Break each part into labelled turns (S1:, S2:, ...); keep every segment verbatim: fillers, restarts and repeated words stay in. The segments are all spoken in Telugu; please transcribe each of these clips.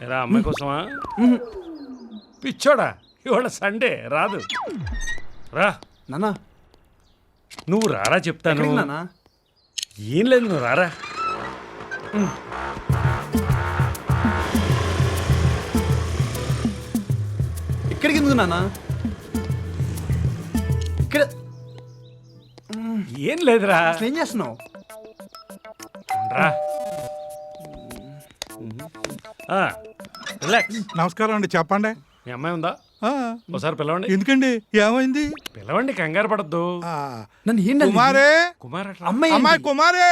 S1: ఎరా అమ్మాయి కోసమా? పిచ్చోడా, ఇవాళ సండే రాదు. రా
S2: నానా.
S1: నువ్వు రారా చెప్తాను.
S2: నానా
S1: ఏం లేదు, నువ్వు రారా.
S2: ఇక్కడికి ఎందుకు నానా? ఇక్కడ
S1: ఏం లేదురా.
S2: అసలు ఏం చేస్తున్నావు?
S1: రా రిలాక్స్.
S3: నమస్కారం అండి, చెప్పండి.
S1: మీ అమ్మాయి ఉందా?
S3: ఆ,
S1: ఒకసారి పిలవండి.
S3: ఎందుకండి, ఏమైంది?
S1: పిలవండి, కంగారు పడద్దు.
S3: ఆ,
S2: నన్ను ఏంటి
S3: కుమారే,
S1: కుమార్ అట్లా
S2: అమ్మాయి
S3: అమ్మాయి
S2: ఏంటి?
S3: కుమారే.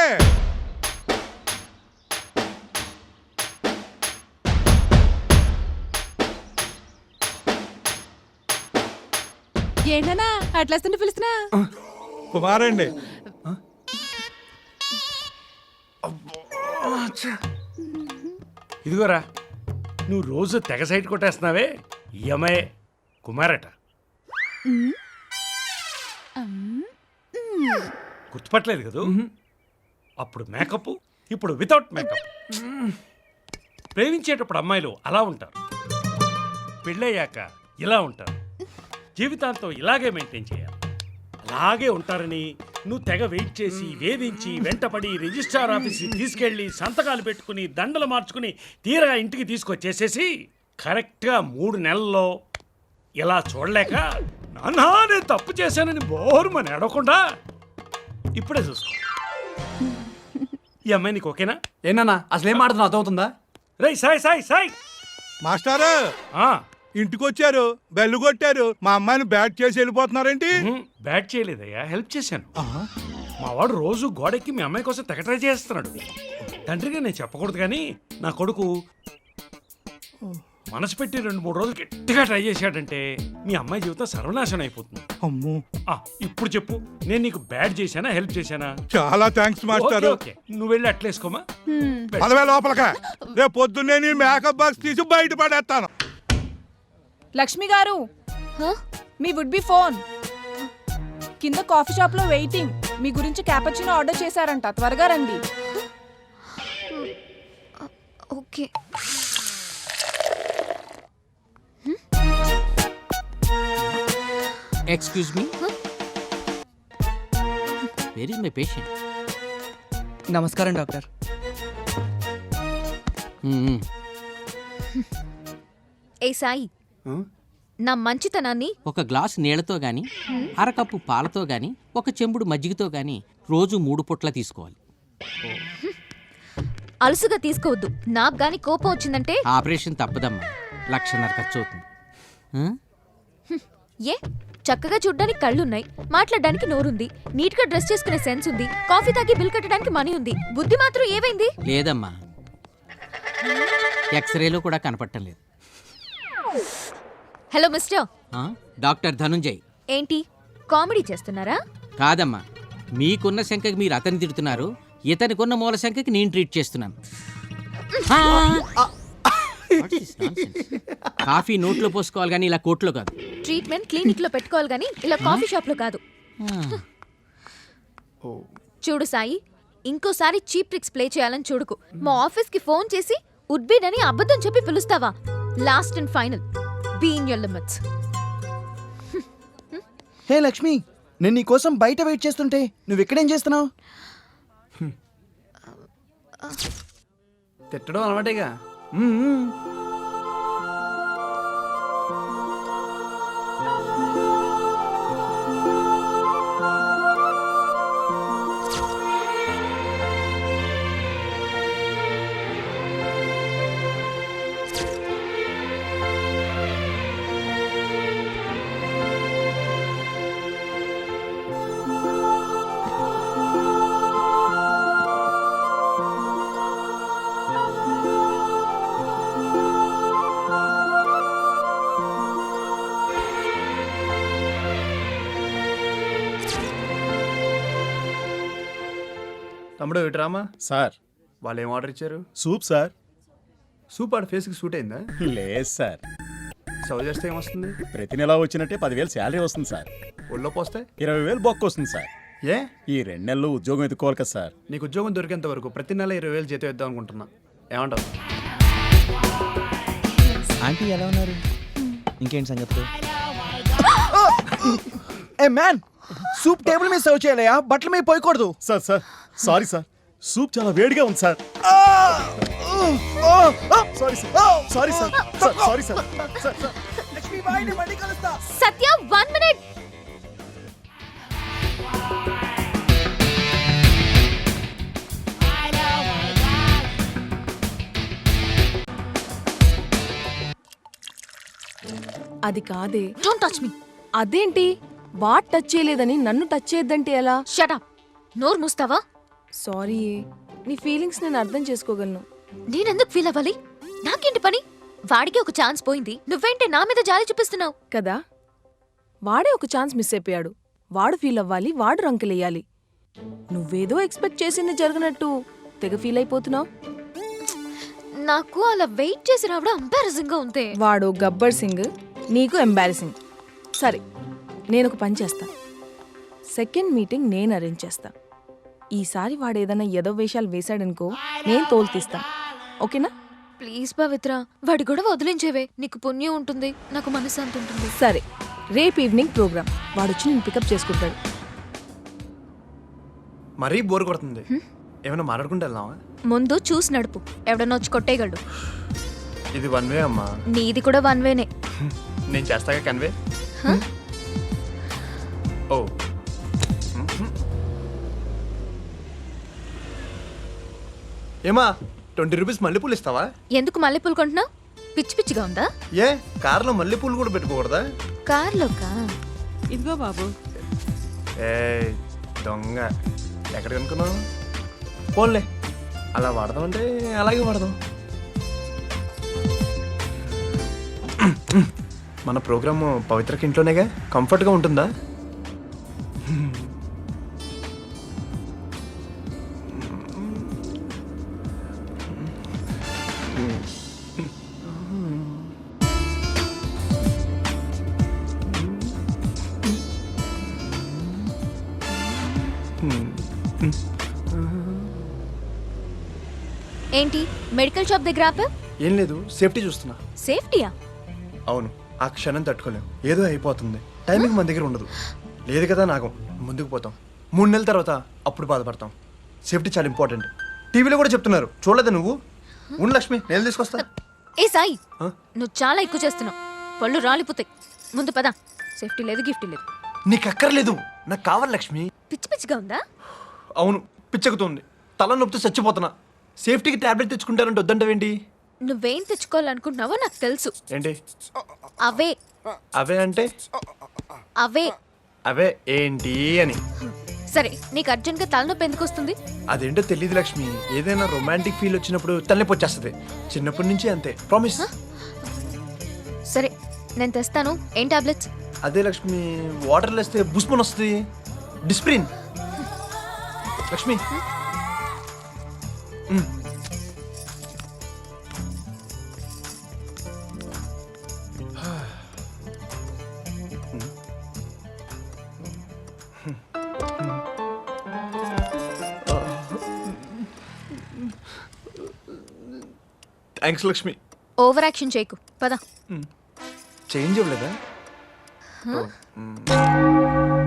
S4: ఏంటన్నా అట్లా పిలుస్తున్నా?
S3: కుమారండి.
S1: ఇదిగోరా, నువ్వు రోజు తెగ సైట్ కొట్టేస్తున్నావే, ఈ అమ్మాయి కుమారట. గుర్తుపట్టలేదు కదూ? అప్పుడు మేకప్, ఇప్పుడు వితౌట్ మేకప్. ప్రేమించేటప్పుడు అమ్మాయిలు అలా ఉంటారు, పెళ్ళయ్యాక ఇలా ఉంటారు, జీవితాంతం ఇలాగే మెయింటైన్ చేయాలి. అలాగే ఉంటారని నువ్వు తెగ వెయిట్ చేసి వేధించి వెంటపడి రిజిస్ట్రార్ ఆఫీస్కి తీసుకెళ్ళి సంతకాలు పెట్టుకుని దండలు మార్చుకుని తీరగా ఇంటికి తీసుకొచ్చేసేసి కరెక్ట్గా మూడు నెలల్లో ఇలా చూడలేక నాన్నా నేను తప్పు చేశానని బోరుమని అడగకుండా ఇప్పుడే చూసుకో. ఈ అమ్మాయి నీకు ఓకేనా?
S2: ఏనా అసలు ఏం మాట్లాడుతున్నా అర్థమవుతుందా?
S1: రై సాయ్ సాయ్ సాయ్
S3: మాస్టారు
S1: ఆ,
S3: ఇంటికి వచ్చారు, బెల్లు కొట్టారు, మా అమ్మాయిని బ్యాట్ చేసి వెళ్ళిపోతున్నారేంటి?
S1: ఉహుం, బ్యాట్ చేయలేదయ్యా, హెల్ప్ చేశాను.
S3: ఆహా.
S1: మా వాడు రోజు గోడెక్కి మీ అమ్మాయి కోసం తెగ ట్రై చేస్తున్నాడు. తండ్రిగా నేను చెప్పకూడదు కానీ నా కొడుకు మనసు పెట్టి రెండు మూడు రోజులు గట్టిగా ట్రై చేశాడంటే మీ అమ్మాయి జీవితం సర్వనాశనం అయిపోతుంది.
S3: అమ్మో,
S1: ఆ, ఇప్పుడు చెప్పు, నేను నీకు బ్యాడ్ చేశానా హెల్ప్ చేశానా?
S3: చాలా థ్యాంక్స్ మాస్టారు.
S1: ఓకే, ఓకే, నువ్వు వెళ్ళి అట్లేసుకోమా.
S3: పదవే లోపలక, రేపు పొద్దున్నే నీ మేకప్ బాక్స్ తీసి బయట పడేస్తాను.
S4: లక్ష్మి గారు, మీ వుడ్ బి ఫోన్ కింద కాఫీ షాప్ లో వెయిటింగ్. మీ గురించి క్యాపచినో ఆర్డర్ చేశారంట, త్వరగా రండి.
S5: Okay.
S6: Excuse me, where is my patient?
S7: నమస్కారం డాక్టర్.
S5: ఏ సాయి, నా మంచితనాన్ని
S6: ఒక గ్లాస్ నీళ్లతో గాని, అరకప్పు పాలతో గాని, ఒక చెంబుడు మజ్జిగతో గాని రోజు మూడు పుట్ల తీసుకోవాలి.
S5: అలసుగా తీసుకోవద్దు. నాకు గాని కోపం వచ్చిందంటే
S6: ఆపరేషన్ తప్పదమ్మా, లక్షన్నర ఖర్చు అవుతుంది. ఆ?
S5: ఏ చక్కగా చూడ్డానికి కళ్ళున్నాయి, మాట్లాడడానికి నోరుంది, నీట్ గా డ్రెస్ చేసుకునే సెన్స్ ఉంది, కాఫీ తాగి బిల్ కట్టడానికి మనీ ఉంది, బుద్ధి మాత్రం ఏమైంది?
S6: లేదమ్మా, ఎక్స్రేలో కూడా కనపడటం లేదు.
S5: Hello mister.
S6: ఆ? డాక్టర్ ధనుంజయ్.
S5: ఏంటి కామెడీ చేస్తున్నారా?
S6: కాదమ్మా, మీకున్న శంకకి మీరు అతన్ని తిడుతున్నారు, ఇతనికున్న మూల శంకకి నేను ట్రీట్ చేస్తున్నాను. What is nonsense? కాఫీ నోట్లో పోసుకోవాలి కానీ ఇలా కోట్లో కాదు.
S5: ట్రీట్మెంట్ క్లినిక్ లో పెట్టుకోవాలి గానీ ఇలా కాఫీ షాప్ లో కాదు. చూడు సాయి, ఇంకోసారి చీప్ ట్రిక్స్ ప్లే చేయాలని చూడుకు. మా ఆఫీస్ కి ఫోన్ చేసి ఉడ్బీన్ అని అబద్ధం చెప్పి పిలుస్తావా? Last and final, be in your limits.
S7: Hey Lakshmi, నేను నీ కోసం బయట వెయిట్ చేస్తుంటే నువ్వు ఇక్కడేం చేస్తున్నావు?
S2: తిట్టడం అలవాటేగా. తమ్ముడు విట్రామా
S8: సార్,
S2: వాళ్ళు ఏం ఆర్డర్ ఇచ్చారు?
S8: Soup sir.
S2: సూప్ ఆడ ఫేస్కి సూట్ అయిందా?
S8: లేదు సార్,
S2: సర్వ్ చేస్తే ఏమొస్తుంది?
S8: ప్రతి నెల వచ్చినట్టే పదివేలు శాలరీ వస్తుంది సార్.
S2: ఒళ్ళో పోస్తే
S8: ఇరవై వేలు బొక్క వస్తుంది సార్.
S2: ఏ
S8: ఈ రెండు నెలలు ఉద్యోగం ఎత్తుకోవాలి కదా సార్.
S2: నీకు ఉద్యోగం దొరికేంత వరకు ప్రతి నెల ఇరవై వేలు జీతం ఇద్దాం అనుకుంటున్నా, ఏమంటావు?
S7: ఆంటీ ఎలా ఉన్నారు? ఇంకేంటి సంగతులు? ఏ మ్యాన్, సూప్ టేబుల్ మీద సర్వ్ చేయాలయా, బట్టల మీద పోయకూడదు.
S8: Sir sir sorry sir soup చాలా వేడిగా ఉంది sir sorry sir sorry sir sir sorry sir sir sir
S7: Lakshmi bye, నేను మళ్ళీ కలుస్తా.
S5: Satya one minute.
S4: అది కాదే.
S5: Don't touch me.
S4: అదేంటి వాట్ టచ్ చేయలేదని నన్ను టచ్ చేయొద్దంటే ఎలా?
S5: Shut up. నోరు మూస్తావా?
S4: సారీ, నీ ఫీలింగ్స్ నేను అర్థం చేసుకోగలను.
S5: నేనెందుకు ఫీల్ అవ్వాలి? నాకేంటి పని? వాడికి ఒక ఛాన్స్ పోయింది, నువ్వేంటి నా మీద జాలి చూపిస్తున్నావు?
S4: కదా, వాడే ఒక ఛాన్స్ మిస్ అయిపోయాడు. వాడు ఫీల్ అవ్వాలి, వాడు రంకెలేయాలి. నువ్వేదో ఎక్స్పెక్ట్ చేసింది జరగనట్టు తెగ ఫీల్ అయిపోతున్నావు.
S5: నాకు అలా వెయిట్ చేసి రావడం ఎంబారసింగ్ గా ఉంది.
S4: వాడు గబ్బర్ సింగ్, నీకు ఎంబారసింగ్. సరే, నేను ఒక పని చేస్తా. సెకండ్ మీటింగ్ నేను అరేంజ్ చేస్తా. ఈసారి వాడు ఏదైనా ఏదో వేషాలు వేశాడనుకో, నేను తోలు తీస్తా. ఓకేనా?
S5: ప్లీజ్ పవిత్ర, వాడి గొడవ వదిలించేవే. నీకు పుణ్యం ఉంటుంది, నాకు మనశ్శాంతి ఉంటుంది.
S4: సరే, రేపు ఈవినింగ్ ప్రోగ్రామ్. వాడు వచ్చి నేను పికప్ చేసుకుంటాడు.
S2: మరీ బోర్ కొడుతుంది. ఏమైనా మాట్లాడుకుంటే వెళ్దామా?
S5: ముందు చూసి నడుపు, ఎవడన్నా వచ్చి కొట్టేయగలడు.
S2: ఇది వన్ వే అమ్మా.
S5: నీది కూడా వన్ వేనే.
S2: నేను చేస్తాగా కన్వే. ఓ ఏమా, ట్వంటీ రూపీస్ మల్లెపూలు ఇస్తావా?
S5: ఎందుకు మల్లెపూలు కొంటున్నావు? పిచ్చి పిచ్చిగా ఉందా?
S2: ఏ కార్లో మల్లెపూలు కూడా పెట్టుకోకూడదా?
S5: కార్లోకా?
S4: ఇదిగో బాబు.
S2: ఏ దొంగ, ఎక్కడ కనుక్కున్నావు? పోన్లే, అలా వాడదాం అంటే అలాగే వాడదాం. మన ప్రోగ్రాము పవిత్రకి ఇంట్లోనేగా, కంఫర్ట్గా ఉంటుందా?
S5: ఏంటి మెడికల్ షాప్ దగ్గర ఆపా?
S2: ఏం లేదు, సేఫ్టీ చూస్తున్నా.
S5: సేఫ్టీయా?
S2: అవును, ఆ క్షణం తట్టుకోలేం. ఏదో అయిపోతుంది, టైమింగ్ మన దగ్గర ఉండదు. లేదు కదా నాగం, ముందుకు పోతాం. మూడు నెలల తర్వాత అప్పుడు బాధపడతాం. సేఫ్టీ చాలా ఇంపార్టెంట్. టీవీలో కూడా చెప్తున్నారు, చూడలేదు నువ్వు? ఉండు లక్ష్మి, నేను తీసుకొస్తా.
S5: ఏ సాయి,
S2: ఆ?
S5: నువ్వు చాలా ఎక్కువ చేస్తున్నావు. పళ్ళు రాలిపోతాయి. ముందు పద. సేఫ్టీ లేదు, గిఫ్ట్ లేదు.
S2: నీకు అక్కర్లేదు, నాకు కావాలి లక్ష్మి.
S5: పిచ్చి పిచ్చిగా ఉందా?
S2: అవును, పిచ్చెక్కుతుంది. తల నొప్పితో చచ్చిపోతున్నా. సేఫ్టీకి టాబ్లెట్ తెచ్చుకుంటారంటే వద్దంటావేంటి?
S5: నువ్వేం తెచ్చుకోవాలనుకుంటున్నావో నాకు తెలుసు.
S2: ఏంటి
S5: అవే
S2: అవే అంటే?
S5: అవే
S2: అవే ఏంటి అని.
S5: సరే, నీకు అర్జెంట్గా తలనొప్పి ఎందుకు వస్తుంది?
S2: అదేంటో తెలియదు లక్ష్మి. ఏదైనా రొమాంటిక్ ఫీల్ వచ్చినప్పుడు తలనొప్పి వచ్చేస్తుంది. చిన్నప్పటి నుంచి అంతే, ప్రామిస్.
S5: సరే, నేను తెస్తాను. ఏం టాబ్లెట్స్?
S2: అదే లక్ష్మి, వాటర్ వేస్తే బుస్మన్ వస్తుంది. డిస్ప్రిన్. లక్ష్మి మ్. థ్యాంక్స్ లక్ష్మి.
S5: ఓవర్ యాక్షన్ చేయకు, పద.
S2: చేంజ్ అవ్వలేదా? ఓ, మ్.